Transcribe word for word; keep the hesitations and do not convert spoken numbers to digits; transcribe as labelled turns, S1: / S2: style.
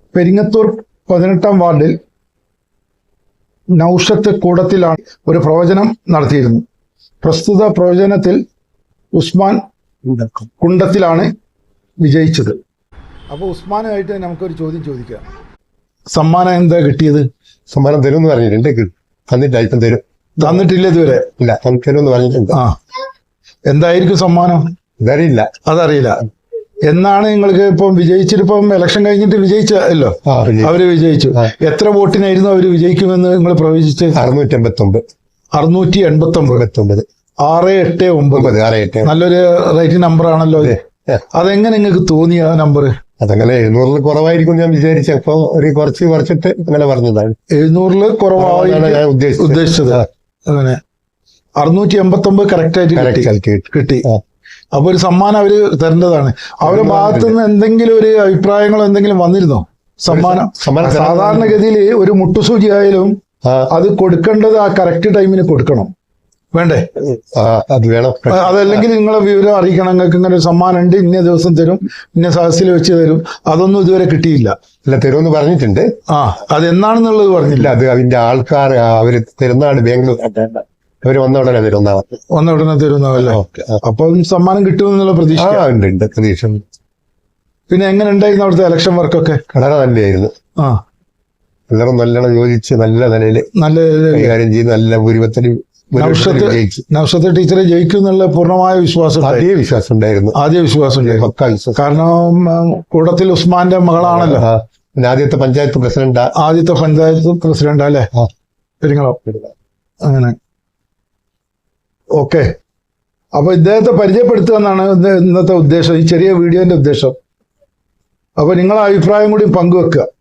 S1: പെരിങ്ങത്തൂർ പതിനെട്ടാം വാർഡിൽ നൗഷത്ത് കൂടത്തിലാണ് ഒരു പ്രവചനം നടത്തിയിരുന്നു. പ്രസ്തുത പ്രവചനത്തിൽ ഉസ്മാൻ കുണ്ടത്തിലാണ് വിജയിച്ചത്. അപ്പോൾ ഉസ്മാനുമായിട്ട് നമുക്കൊരു ചോദ്യം ചോദിക്കാം. സമ്മാനം എന്താ കിട്ടിയത്?
S2: സമ്മാനം തരും എന്ന് പറഞ്ഞിട്ടുണ്ട്. തന്നിട്ടില്ല, ഇപ്പം തരും.
S1: തന്നിട്ടില്ല ഇതുവരെ?
S2: ഇല്ല, തരും എന്ന് പറഞ്ഞിട്ടുണ്ട്.
S1: ആ, എന്തായിരിക്കും സമ്മാനം?
S2: ഇതറിയില്ല.
S1: അതറിയില്ല. എന്നാണ് നിങ്ങൾക്ക് ഇപ്പം വിജയിച്ചിട്ടിപ്പം ഇലക്ഷൻ കഴിഞ്ഞിട്ട് വിജയിച്ചല്ലോ, അവര് വിജയിച്ചു. എത്ര വോട്ടിനായിരുന്നു അവര് വിജയിക്കുമെന്ന് നിങ്ങൾ പ്രവചിച്ച്?
S2: അറുന്നൂറ്റി എൺപത്തി ഒമ്പത്
S1: അറുന്നൂറ്റി എൺപത്തി ഒമ്പത്
S2: ഒമ്പത്
S1: ആറ് എട്ട് ഒമ്പത്
S2: ആറ് എട്ട്
S1: നല്ലൊരു റൈറ്റ് നമ്പർ ആണല്ലോ. അതെങ്ങനെ നിങ്ങൾക്ക് തോന്നിയ നമ്പർ?
S2: അതങ്ങനെ എഴുന്നൂറിൽ കുറവായിരിക്കും ഞാൻ വിചാരിച്ചപ്പോ ഒരു കുറച്ച് കുറച്ചിട്ട് അങ്ങനെ പറഞ്ഞതാണ്.
S1: എഴുന്നൂറില് കുറവായി ഉദ്ദേശിച്ചത്. അങ്ങനെ അറുന്നൂറ്റി എൺപത്തി ഒമ്പത് കറക്റ്റ് ആയിട്ട് കിട്ടി. അപ്പൊ ഒരു സമ്മാനം അവര് തരേണ്ടതാണ്. അവരുടെ ഭാഗത്തു നിന്ന് എന്തെങ്കിലും ഒരു അഭിപ്രായങ്ങളോ എന്തെങ്കിലും വന്നിരുന്നോ? സമ്മാനം സാധാരണഗതിയിൽ ഒരു മുട്ടുസൂചി ആയാലും അത് കൊടുക്കേണ്ടത് ആ കറക്റ്റ് ടൈമിന് കൊടുക്കണം, വേണ്ടേ?
S2: അത് വേണം.
S1: അതല്ലെങ്കിൽ നിങ്ങളെ വിവരം അറിയിക്കണം, നിങ്ങൾക്ക് ഇങ്ങനെ ഒരു സമ്മാനം ഉണ്ട്, ഇന്ന ദിവസം തരും, ഇന്ന സദസ്സിൽ വെച്ച് തരും. അതൊന്നും ഇതുവരെ കിട്ടിയില്ല.
S2: അല്ല, തരുമെന്ന് പറഞ്ഞിട്ടുണ്ട്.
S1: ആ, അത് എന്നാണെന്നുള്ളത് പറഞ്ഞില്ല.
S2: അത് അതിന്റെ ആൾക്കാർ അവര് തരുന്നതാണ് ബാംഗ്ലൂർ. അവര് വന്ന ഉടനെ തരുന്ന
S1: വന്ന ഉടനെ തരുന്നതല്ലേ? അപ്പം സമ്മാനം കിട്ടുമെന്നുള്ള പ്രതീക്ഷ
S2: ഉണ്ട്. പ്രതീക്ഷ.
S1: പിന്നെ എങ്ങനെ ഉണ്ടായിരുന്നു അവിടുത്തെ ഇലക്ഷൻ വർക്കൊക്കെ?
S2: വളരെ നല്ലതായിരുന്നു.
S1: ആ,
S2: എല്ലാവരും നല്ലോണം യോജിച്ച് നല്ല നിലയിൽ
S1: നല്ല
S2: കൈകാര്യം ചെയ്ത് നല്ല ഭൂരിപത്തിന്
S1: നൗഷത്ത് ടീച്ചറെ ജയിക്കും എന്നുള്ള പൂർണ്ണമായ വിശ്വാസം
S2: ആദ്യ വിശ്വാസം ഉണ്ടായിരുന്നു.
S1: ആദ്യ വിശ്വാസം ഉണ്ടായിരുന്നു. കാരണം കൂടത്തിൽ ഉസ്മാന്റെ മകളാണല്ലോ.
S2: ആദ്യത്തെ പഞ്ചായത്ത് പ്രസിഡന്റ്
S1: ആദ്യത്തെ പഞ്ചായത്ത് പ്രസിഡന്റ് അല്ലേ പെരിങ്ങളം? അങ്ങനെ. ഓക്കെ, അപ്പൊ ഇദ്ദേഹത്തെ പരിചയപ്പെടുത്തുക എന്നാണ് ഇന്നത്തെ ഉദ്ദേശം, ഈ ചെറിയ വീഡിയോന്റെ ഉദ്ദേശം. അപ്പൊ നിങ്ങളെ അഭിപ്രായം കൂടി പങ്കുവെക്കുക.